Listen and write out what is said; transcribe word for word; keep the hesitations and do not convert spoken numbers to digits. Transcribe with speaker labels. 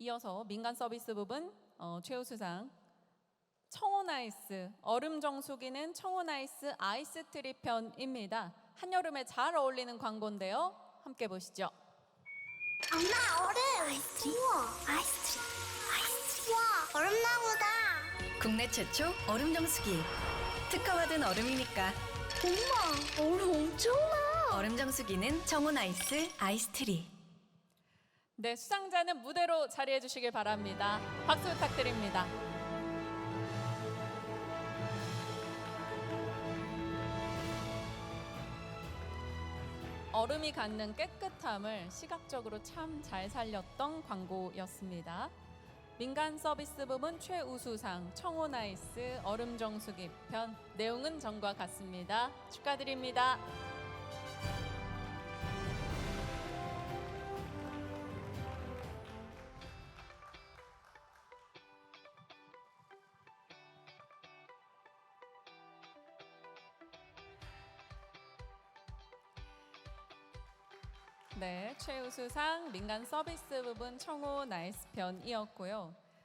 Speaker 1: 이어서 민간 서비스 부분 어, 최우수상 청혼아이스 얼음 정수기는 청혼아이스 아이스트리 편입니다. 한여름에 잘 어울리는 광고인데요. 함께 보시죠.
Speaker 2: 엄마, 얼음! 아이스트리? 우와, 아이스트리. 아이스트리. 우와, 얼음나무다.
Speaker 3: 국내 최초 얼음 정수기. 특허받은 얼음이니까.
Speaker 2: 엄마, 얼음 엄청나.
Speaker 3: 얼음 정수기는 청혼 아이스 아이스트리.
Speaker 1: 네, 수상자는 무대로 자리해 주시길 바랍니다. 박수 부탁드립니다. 얼음이 갖는 깨끗함을 시각적으로 참 잘 살렸던 광고였습니다. 민간 서비스 부문 최우수상 청혼아이스 얼음 정수기 편 내용은 전과 같습니다. 축하드립니다. 네, 최우수상 민간 서비스 부분 청혼아이스 편이었고요.